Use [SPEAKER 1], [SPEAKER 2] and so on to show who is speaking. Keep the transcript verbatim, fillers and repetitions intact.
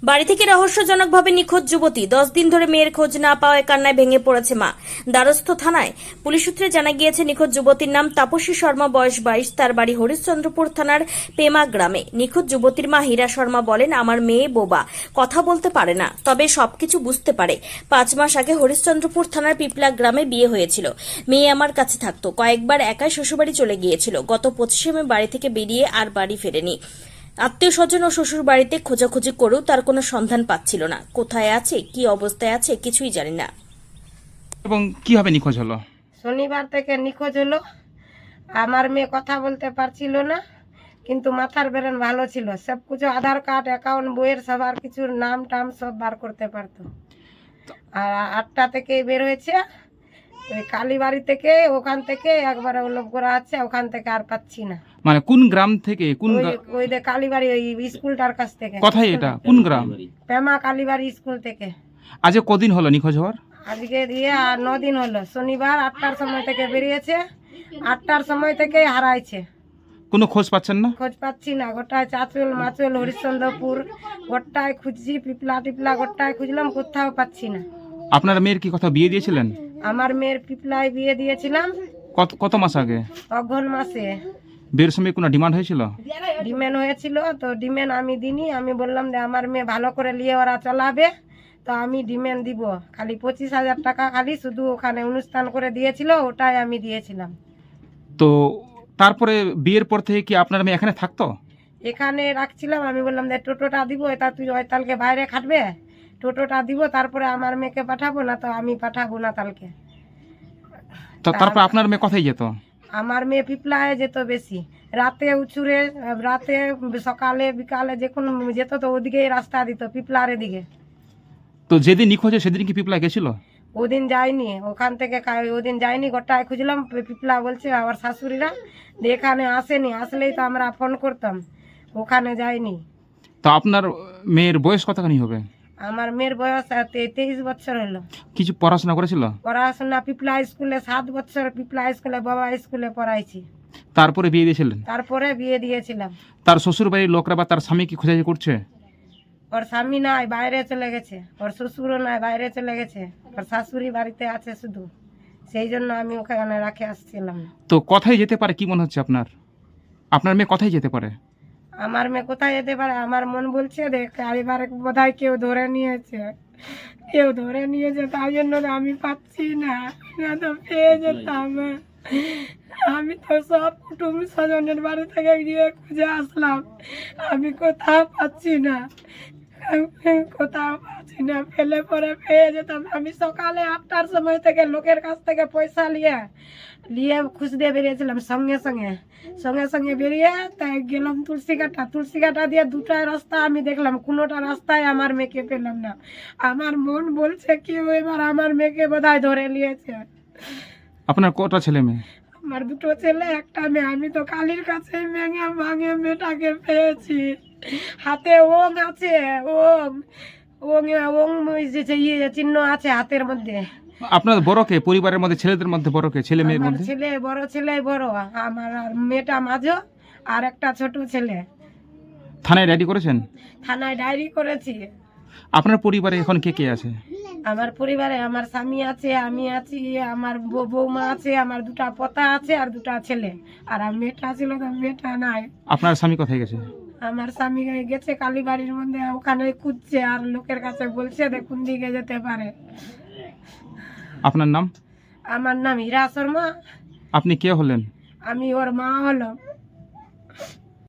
[SPEAKER 1] বাড়ি থেকে রহস্যজনকভাবে নিখোঁজ যুবতী, দশ দিন ধরে মেয়ের খোঁজ না পাওয়ায় কান্নায় ভেঙে পড়েছে মা। দ্বারস্থ থানায় পুলিশ সূত্রে জানা গিয়েছে, নিখোঁজ যুবতীর নাম তাপসী শর্মা, বয়স বাইশ। তার বাড়ি হরিশ্চন্দ্রপুর থানার পেমা গ্রামে। নিখোঁজ যুবতীর মা হীরা শর্মা বলেন, আমার মেয়ে বোবা, কথা বলতে পারে না, তবে সবকিছু বুঝতে পারে। পাঁচ মাস আগে হরিশ্চন্দ্রপুর থানার পিপলা গ্রামে বিয়ে হয়েছিল। মেয়ে আমার কাছে থাকতো, কয়েকবার একাই শ্বশুরবাড়ি চলে গিয়েছিল। গত পঁচিশে মে বাড়ি থেকে বেরিয়ে আর বাড়ি ফেরেনি। আত্মীয় স্বজন ও শ্বশুর বাড়িতে খোঁজাখুঁজি করেও তার কোনো সন্ধান পাচ্ছিল না। কোথায় আছে, কি অবস্থায় আছে, কিছুই জানি না।
[SPEAKER 2] এবং কিভাবে নিখোঁজ হলো?
[SPEAKER 3] শনিবার থেকে নিখোঁজ হলো। আমার মেয়ে কথা বলতে পারছিল না, কিন্তু মাথার ব্রেন ভালো ছিল। সব কিছু আধার কার্ড, অ্যাকাউন্ট, বইয়ের সবার কিছুর নাম টাম সব বার করতে পারতো। আর আটটা থেকে বের হয়েছে ওই কালীবাড়ি থেকে, ওখান থেকে একবারে লোক করা আছে, ওখান থেকে আর পাচ্ছি না।
[SPEAKER 2] মানে কোন গ্রাম থেকে? কোন
[SPEAKER 3] ওই
[SPEAKER 2] গ্রা-
[SPEAKER 3] ওই যে কালীবাড়ি ওই স্কুলটার কাছ থেকে।
[SPEAKER 2] কোথায় এটা? কোন গ্রাম?
[SPEAKER 3] পেমা কালীবাড়ি স্কুল থেকে।
[SPEAKER 2] আজ কদিন হলো নিখোঁজ হওয়ার?
[SPEAKER 3] আজকে দিয়ে আর ন দিন হলো। শনিবার আটটার সময় থেকে বেরিয়েছে, আটটার সময় থেকে হারাইছে।
[SPEAKER 2] কোনো খোঁজ পাচ্ছেন না?
[SPEAKER 3] খোঁজ পাচ্ছি না। গোটায় চাঁচল মাচল হরিশ্চন্দ্রপুর গোটায় খুঁজছি, পিপলা টিপলা গোটায় খুঁজলাম, কোথাও পাচ্ছি না।
[SPEAKER 2] আপনার মেয়ের কি কথা বিয়ে দিয়েছিলেন?
[SPEAKER 3] আমার মেয়ের পিপলায় বিয়ে দিয়েছিলাম
[SPEAKER 2] কত কত মাস আগে?
[SPEAKER 3] অঘ্রাণ মাসে।
[SPEAKER 2] বিয়ের সময় কোনো ডিমান্ড হয়েছিল?
[SPEAKER 3] ডিমেন হয়েছিল, তো ডিমেন আমি দিনি। আমি বললাম যে আমার মেয়ে ভালো করে নিয়ে ওরা চলাবে, তো আমি ডিমেন দিব। খালি পঁচিশ হাজার টাকা খালি শুধু ওখানে অনুষ্ঠান করে দিয়েছিল, ওটাই আমি দিয়েছিলাম।
[SPEAKER 2] তো তারপরে বিয়ের পর থেকে কি আপনার মেয়ে এখানে থাকতো?
[SPEAKER 3] এখানে রাখছিলাম। আমি বললাম যে টোটোটা দিব, এটা তুই ওই তালকে বাইরে খাটবে, টোটোটা দিব, তারপরে আমার মেয়েকে পাঠাবো, না তো আমি পাঠাবো না তালকে।
[SPEAKER 2] তো তারপর আপনার মেয়ে কোথায় যেত?
[SPEAKER 3] আমার মেয়ে পিপলায় যেত বেশি, রাতে উচুরে, রাতে সকালে বিকালে যে কোনো যেত, তো ওদিকেই রাস্তা দিত, পিপলার দিকে।
[SPEAKER 2] তো যেদিন নিখোঁজ হয় সেদিন কি পিপলা গেছিল?
[SPEAKER 3] ওদিন যাইনি, ওখান থেকে কা- ওদিন যাইনি। গোটায় খুঁজলাম, পিপলা বলছে আমার শাশুড়িরা যে এখানে আসেনি, আসলেই তো আমরা ফোন করতাম। ওখানে যাইনি।
[SPEAKER 2] তো আপনার মেয়ের বয়স কতখানি হবে?
[SPEAKER 3] আমার মেয়ের বয়স আহ, তে- তেইশ বছর হলো।
[SPEAKER 2] কিছু পড়াশোনা করেছিল?
[SPEAKER 3] পড়াশোনা পিপলা স্কুলে সাত বছর, পিপলা স্কুলে বাবা স্কুলে পড়াইছি।
[SPEAKER 2] তারপরে বিয়ে দিয়েছিলেন?
[SPEAKER 3] তারপরে বিয়ে দিয়েছিলাম।
[SPEAKER 2] তার শ্বশুর বাড়ির লোকরা বা তার স্বামী কি খোঁজাখুঁজি করছে?
[SPEAKER 3] ওর স্বামী নাই, বাইরে চলে গেছে। ওর শ্বশুরও নাই, বাইরে চলে গেছে। ওর শাশুড়ি বাড়িতে আছে শুধু, সেই জন্য আমি ওখানে রাখে আসছিলাম।
[SPEAKER 2] তো কোথায় যেতে পারে কি মনে হচ্ছে আপনার? আপনার মেয়ে কোথায় যেতে পারে?
[SPEAKER 3] আমার মেয়ে কোথায় যেতে পারে, আমার মন বলছে দেখ এবার বোধহয় কেউ ধরে নিয়েছে, কেউ ধরে নিয়েছে, তাই জন্য তো আমি পাচ্ছি না, না তো পেয়ে যেতাম। আমি তো সব কুটুম স্বজনের বাড়ি থেকে গিয়ে খুঁজে আসলাম, আমি কোথাও পাচ্ছি না, কোথাও পাচ্ছি না। ফেলে পরে পেয়ে যেতাম। আমি সকালে আটটার সময় থেকে লোকের কাছ থেকে পয়সা নিয়ে নিয়ে খুঁজতে বেরিয়েছিলাম, সঙ্গে সঙ্গে সঙ্গে সঙ্গে বেরিয়ে তাই গেলাম তুলসী কাটা। তুলসী কাটা দিয়ে দুটা রাস্তা আমি দেখলাম, কোনোটা রাস্তায় আমার মেয়েকে পেলাম না। আমার মন বলছে কি এবার আমার মেয়েকে বোধহয় ধরে নিয়েছে।
[SPEAKER 2] আপনার কটা ছেলে মেয়ে?
[SPEAKER 3] আমার দুটো ছেলে, একটা মেয়ে। আমি তো কালির কাছে ভেঙে ভাঙে মেয়েটাকে পেয়েছি। হাতে ওং আছে, ওং ওং ওং যে ইয়ে চিহ্ন আছে হাতের মধ্যে।
[SPEAKER 2] আপনার বড় কে পরিবারের মধ্যে? ছেলেদের মধ্যে বড় কে? ছেলে মেয়ের
[SPEAKER 3] আমার
[SPEAKER 2] মধ্যে?
[SPEAKER 3] ছেলে বড়, ছেলে বড়, আমার আর মেয়েটা মাঝো, আর একটা ছোট ছেলে।
[SPEAKER 2] থানায় ডায়েরি করেছেন?
[SPEAKER 3] থানায় ডায়েরি করেছি।
[SPEAKER 2] আপনার পরিবারে এখন কে কে আছে?
[SPEAKER 3] আমার পরিবারে আমার স্বামী আছে, আমি আছি, আমার বৌ- বৌমা আছে, আমার দুটা পোতা আছে আর দুটা ছেলে। আর আমার মেয়েটা ছিল, তো মেয়েটা নাই।
[SPEAKER 2] আপনার স্বামী কোথায় গেছে?
[SPEAKER 3] আমার স্বামী গেছে কালীবাড়ির মধ্যে, ওখানে খুঁজছে আর লোকের কাছে বলছে যে কোন দিকে যেতে পারে।
[SPEAKER 2] আপনার নাম?
[SPEAKER 3] আমার নাম হীরা শর্মা।
[SPEAKER 2] আপনি কে হলেন?
[SPEAKER 3] আমি ওর মা হলো।